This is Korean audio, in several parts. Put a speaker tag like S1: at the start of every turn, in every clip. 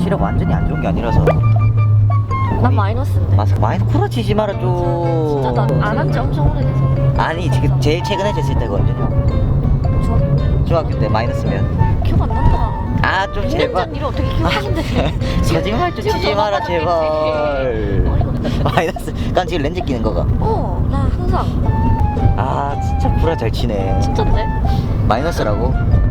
S1: 시력 완전히 안 좋은 게 아니라서.
S2: 난 마이너스인데.
S1: 맞아. 마이너스 쿠라 치지 마라 좀.
S2: 진짜 나 안 한 지 엄청 오래돼서.
S1: 아니 지금 제일 최근에 쟀을 때가 언제냐? 중학교 때 마이너스면.
S2: 기억 안 난다.
S1: 아 좀
S2: 2년
S1: 제발.
S2: 전 일을 어떻게 기억하는데.
S1: 거짓말 좀 치지 마라 제발. 마이너스. 난 지금 렌즈 끼는 거가.
S2: 나 항상.
S1: 아 진짜 쿠라 잘 치네.
S2: 진짠데?
S1: 마이너스라고?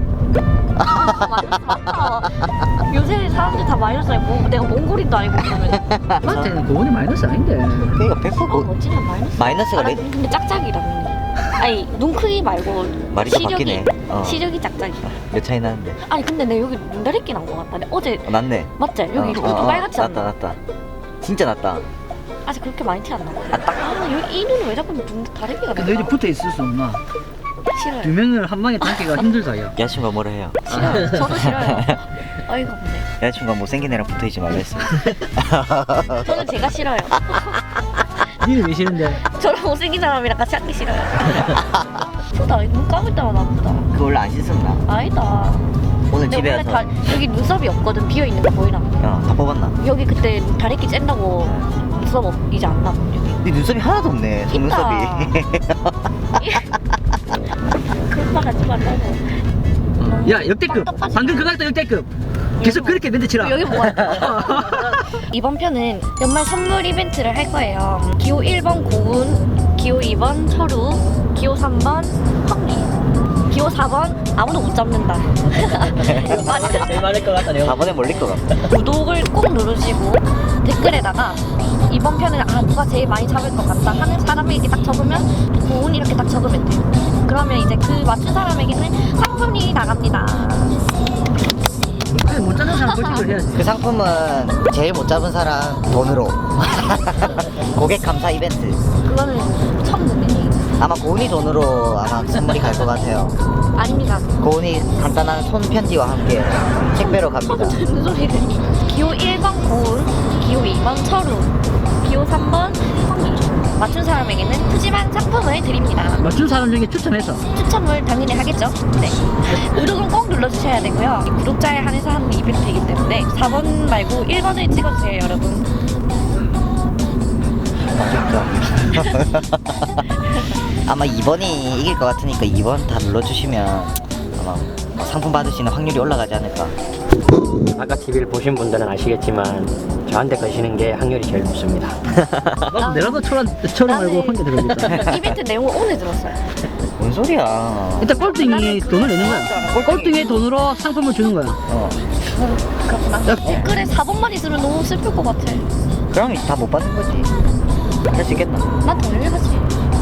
S2: 요새 사람들 다 마이너스야. 뭐 내가 몽골인도 아니고 그러면.
S3: 나한테는 고온이 마이너스 아닌데.
S1: 그러니까 100%
S2: 멋지는 마이너스.
S1: 마이너스가
S2: 나
S1: 레...
S2: 근데 짝짝이라는. 아니 눈 크기 말고
S1: 말이 다 바뀌네.
S2: 시력이 짝짝이.
S1: 몇 차이 나는데?
S2: 아니 근데 내 여기 눈다리끼 난 거 같다. 내 어제
S1: 낫네.
S2: 맞지? 여기 빨갛지 않나?
S1: 낫다. 진짜 낫다.
S2: 아직 그렇게 많이 티 안 나.
S1: 딱.
S2: 여기 이 눈은 왜 자꾸 눈 다리끼가 나?
S3: 근데 이제 붙어 있을 수 없나?
S2: 싫어요.
S3: 두 명을 한 방에 담기가 힘들다 야.
S1: 여자친구가 뭐라 해요?
S2: 싫어요. 저도 싫어요. 어이가 없네.
S1: 여자친구가 못생긴 애랑 붙어있지 말라 했어.
S2: 저는 제가 싫어요.
S3: 니는 왜 싫은데?
S2: 저랑 못생긴 사람이랑 같이 하기 싫어요. 아프다. 눈 감을 때마다 아프다.
S1: 그거 원래 안 씻었나?
S2: 아니다.
S1: 오늘
S2: 근데
S1: 집에
S2: 원래
S1: 와서
S2: 여기 눈썹이 없거든. 비어 있는 거 보이나?
S1: 다 뽑았나?
S2: 여기 그때 다리끼 쨘다고 눈썹 이제 안 나고 여기.
S1: 네 눈썹이 하나도 없네. 속눈썹이.
S2: 그런 말 하지 말라고.
S3: 야 역대급. 방금 그거 했다 역대급. 계속 그렇게 멘트 치라.
S2: 여기 뭐가 이번 편은 연말 선물 이벤트를 할 거예요. 기호 1번 고운, 기호 2번 철우, 기호 3번 황리, 기호 4번 아무도 못 잡는다. 맞아.
S3: 제일 많을 것 같다 내가.
S1: 4번에 몰릴 것 같다.
S2: 구독을 꼭 누르시고 댓글에다가 이번 편은 누가 제일 많이 잡을 것 같다 하는 사람이 이렇게 딱 적으면 고운 이렇게 딱 적으면 돼요. 그러면 이제 그 맞춘 사람에게는 상품이 나갑니다.
S3: 못 잡는 사람 벌칙을 해야지.
S1: 그 상품은 제일 못 잡은 사람 돈으로. 고객 감사 이벤트.
S2: 그거는 처음 듣는 얘기.
S1: 아마 고은이 돈으로 아마 선물이 갈 것 같아요.
S2: 아닙니다.
S1: 고은이 간단한 손편지와 함께 택배로 갑니다.
S2: 무슨 소리를. 기호 1번 고운, 기호 2번 철우, 기호 3번 황리. 맞춘 사람에게는 푸짐한 상품을 드립니다.
S3: 맞춘 사람 중에 추첨해서.
S2: 추첨을 당연히 하겠죠? 네. 구독은 꼭 눌러주셔야 되고요. 구독자에 한해서 하는 이벤트이기 때문에 4번 말고 1번을 찍어주세요, 여러분.
S1: 아마 2번이 이길 것 같으니까 2번 다 눌러주시면 아마 상품 받으시는 확률이 올라가지 않을까.
S4: 아까 TV를 보신 분들은 아시겠지만 저한테 거시는 게 확률이 제일 높습니다.
S3: 내가도 철원 말고 혼자 들어오겠다.
S2: 이벤트 내용을 오늘 들었어요.
S1: 뭔 소리야.
S3: 일단 꼴등이 돈을 내는 거야. 꼴등의 돈으로 상품을 주는 거야.
S2: 그렇구나.
S3: 야.
S2: 댓글에 4번만 있으면 너무 슬플 것 같아.
S1: 그럼 다 못 받는 거지. 할 수 있겠나?
S2: 난 더 열받지.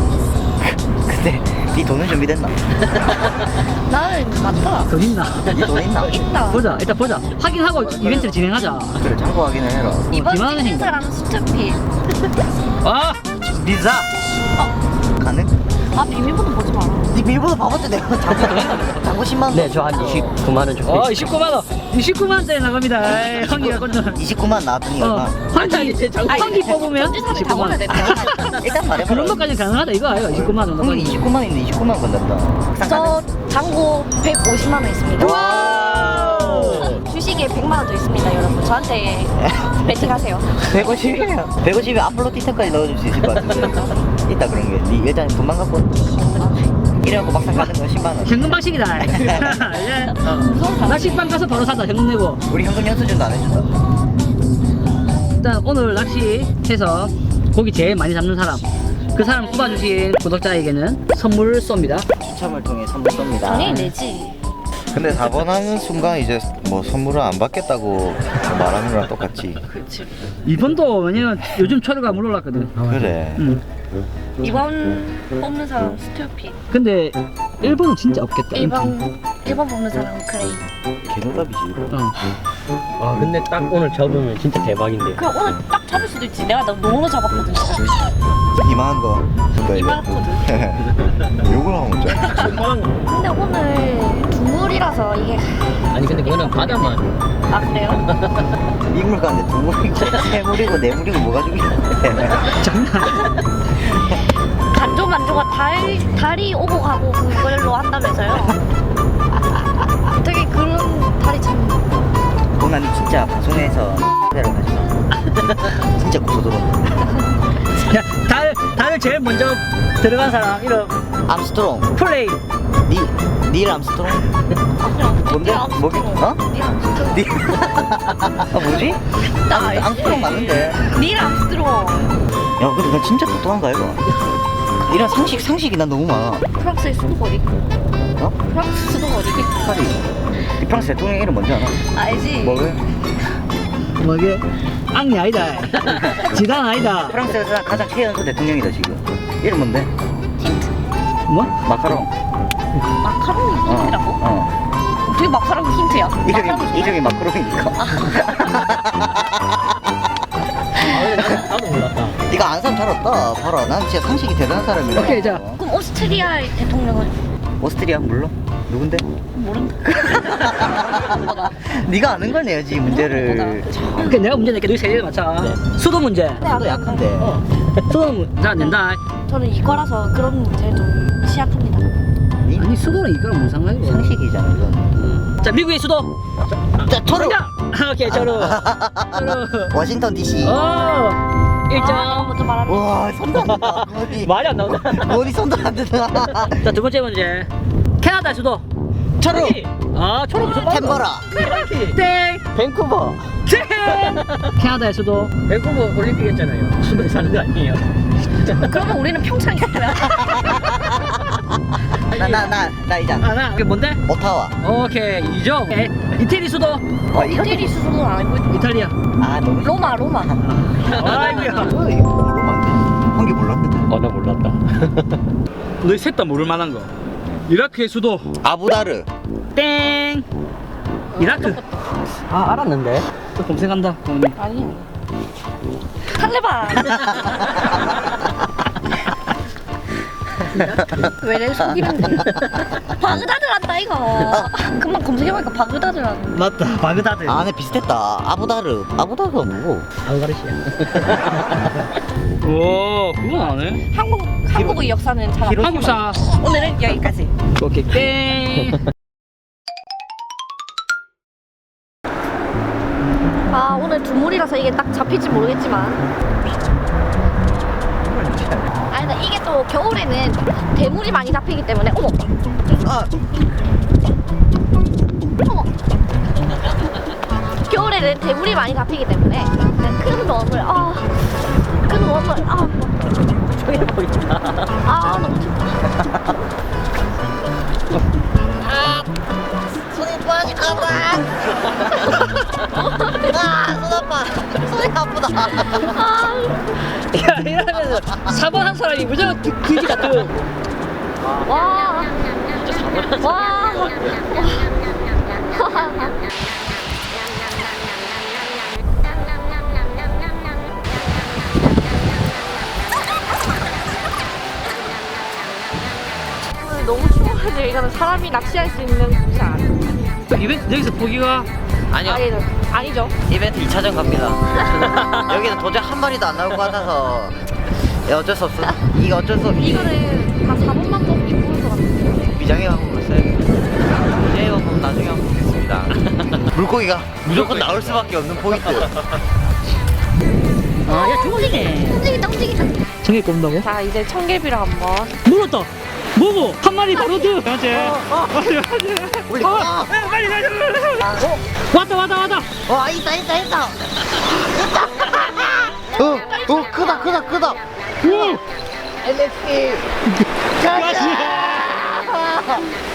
S1: 근데 네 돈은 준비됐나?
S2: 나는 맞다.
S3: 돈 있나?
S1: 돈 있나?
S2: 있다.
S3: 보자. 일단 보자. 확인하고 이벤트를 진행하자.
S1: 그래 참고 확인을 해라.
S2: 이번
S3: 기만은
S2: 찍힌
S3: 행동.
S2: 사람은 스투피.
S3: 아!
S1: 리자! 가능?
S2: 아 비밀번호 보지 마라.
S1: 네 밀보도 바보지 내가 장고 10만 원.
S4: 네, 저 한 29만 원 정도.
S3: 29만 원. 29만원짜리 나갑니다. 에이, 황기가 꽂는.
S1: 29만 나왔더니 얼마?
S3: 황기 뽑으면
S2: 전지사를 다 올려야
S3: 29만.
S2: 된다.
S1: 일단 말해봐.
S3: 그런 것까지 가능하다 이거 아이가 29만 원.
S1: 형이 29만 있는데 29만 건졌다.
S2: 저 잔고 150만 원 있습니다.
S3: 와우!
S2: 주식에 100만 원 더 있습니다, 여러분. 저한테 배팅하세요.
S1: 150이에요. 150에 앞플로 티켓까지 넣어줄 수 있을 것 같은데. 있다 그런 게. 니 일단 돈만 갖고. 이래갖고 막상 가는 건 10만 원.
S3: 현금 방식이다. 예. 나 식빵 가서 바로 사자 현금 내고.
S1: 우리 현금 연수준도 안 해준다.
S3: 일단 오늘 낚시해서 고기 제일 많이 잡는 사람, 그 사람 뽑아주신 구독자에게는 선물을 쏩니다.
S1: 추첨을 통해 선물 쏩니다.
S2: 당연히 내지.
S5: 근데 4번 하는 순간 이제 뭐 선물을 안 받겠다고 말하는 거랑 똑같지.
S2: 그렇지.
S3: 이번도 왜냐면 요즘 철우가 물 올랐거든.
S5: 그래.
S2: 이번 뽑는 사람 스튜피.
S3: 근데 1번은 진짜 없겠다.
S2: 1번 뽑는 사람은 그레이.
S1: 개노답이지.
S4: 아, 근데 딱 오늘 접으면 진짜 대박인데.
S2: 그럼 오늘 딱 잡을 수도 있지. 내가 너무 잡았거든.
S5: 이만한 거.
S2: 이만하거든.
S5: 욕을 하면 어쩌
S2: 근데 오늘 두물이라서 이게.
S4: 아니 근데 그거는 바다만.
S2: 아 그래요?
S1: 이물 가는데 두 물이고 세 물이고 네 물이고 뭐가 중요해.
S3: 장난.
S2: 간조만조가 달이 오고 가고 그걸로 한다면서요? 되게 그런 달이 참.
S1: 나니 진짜 방송에서 대로 가지마. 진짜 고소 들어온다.
S3: 야, 다들 제일 먼저 들어간 사람 이름
S1: 암스트롱.
S3: 플레이.
S1: 닐 암스트롱? 뭔데? 뭐게? 어? 닐. 아 뭐지? 암스트롱 맞는데.
S2: 닐 암스트롱.
S1: 야 근데 나 진짜 똑똑한가 이거? 이런 상식이 난 너무 많아.
S2: 프랑스의 수도가 어디 있고?
S1: 어?
S2: 프랑스 수도가 어디 있고?
S1: 파리. 이 프랑스 대통령 이름 뭔지 알아?
S2: 알지?
S1: 뭐게?
S3: 뭐게? 앙리 아니다. 지단 아니다.
S1: 프랑스에서 가장 최연소 대통령이다 지금. 이름 뭔데?
S3: 뭐?
S1: 마카롱.
S2: 마카롱이 힌트라고?
S1: 어.
S2: 되게 마카롱이 힌트야.
S1: 이름이 마카롱이니까.
S4: 나도 몰랐다.
S1: 이거 안 사람 잘 없다. 봐라. 난 진짜 상식이 대단한 사람이야.
S3: 오케이, 자.
S2: 그럼 오스트리아의 대통령은
S1: 오스트리아 몰라? 누군데?
S2: 모른다.
S1: 네가 아는 걸 내야지 문제를.
S3: 오케이, 내가 문제 낼게. 너희 세 개를 맞춰. 수도 문제.
S1: 너 약한데.
S3: 수도 문제 안 낸다.
S2: 저는 이거라서 그런 문제를 좀 취약합니다.
S1: 니?
S3: 아니, 수도는 이거랑 무슨 상관이야?
S1: 상식이잖아 이건.
S3: 자, 미국의 수도.
S1: 자, 토르.
S3: 정답! 오케이, 저로.
S1: 워싱턴 DC.
S3: 오! 1점.
S2: 먼저 말하는
S1: 와 손도 안 된다.
S3: 말이 안 나온다.
S1: 머리 손도 안 된다.
S3: 자, 두 번째 문제. 캐나다 수도.
S1: 토르.
S3: 아, 초록 무슨 말이야?
S1: 캔버라.
S3: 땡!
S1: 밴쿠버.
S3: 땡! 캐나다의 수도.
S4: 밴쿠버 올림픽 했잖아요. 수도에 사는 거 아니에요?
S2: 그러면 우리는 평창이었고요.
S1: 나 이장.
S3: 하나. 그게 뭔데?
S1: 오타와.
S3: 오케이, 2점. 이태리 수도.
S2: 이태리 수도는 알고 있고.
S3: 이탈리아.
S1: 아 너무.
S2: 로마.
S3: 아이고야.
S1: 이거 로마인데. 한 개 몰랐는데.
S4: 나 몰랐다.
S3: 너희 셋 다 모를 만한 거. 이라크의 수도.
S1: 아부다르.
S3: 땡! 이라크.
S4: 아 알았는데.
S3: 또 검색한다.
S2: 아니. 탈레반. 왜 내 속이는 거야? 바그다드 한다 이거. 금방 검색해보니까 바그다드 하는.
S3: 맞다. 바그다드.
S1: 아, 네 비슷했다. 아부다르가 뭐고?
S4: 알가르시아.
S3: 오, 그건 안 해.
S2: 한국의 역사는 잘 알아.
S3: 한국사.
S2: 오늘은 여기까지.
S3: 오케이, 땡!
S2: 아 오늘 두물이라서 이게 딱 잡힐지 모르겠지만. 아니 나 이게 또 겨울에는 대물이 많이 잡히기 때문에 어머.
S1: 아,
S2: 어머. 겨울에는 대물이 많이 잡히기 때문에 큰 웜을 큰 웜을
S4: 조용해 보인다.
S2: 너무 춥다.
S1: 손이 빠질까봐. 손 아파. 손이 아프다.
S3: 야, 이러면서 4번 한 사람이 무조건 그지 같은.
S2: 와. 오늘 너무 추워가지고 이거는 사람이 낚시할 수 있는 곳이 아니에요.
S3: 이벤트 여기서 보기가
S1: 아니요.
S2: 아니죠.
S1: 이벤트 2차전 갑니다. 여기는 도저히 한 마리도 안 나올 것 같아서 어쩔 수 없어. 이거 어쩔 수 없이
S2: 이거는 다 4번만 뽑기 뽑을 것 같아요.
S1: 미장의 방법을 써야겠다. 미장의 방법 나중에 한번 보겠습니다. 물고기가 무조건 나올 수밖에 없는 포인트.
S3: 아, 야, 좋으시네.
S2: 움직인다.
S3: 정해 꼽는다고?
S2: 자 이제 청개비를 한번.
S3: 물었다. 뭐고? 한 마리 바로 드. 맞지?
S1: 우리
S3: 빨리. 왔다.
S1: 있다. 크다.
S3: 오!
S1: NXT.
S3: 가시.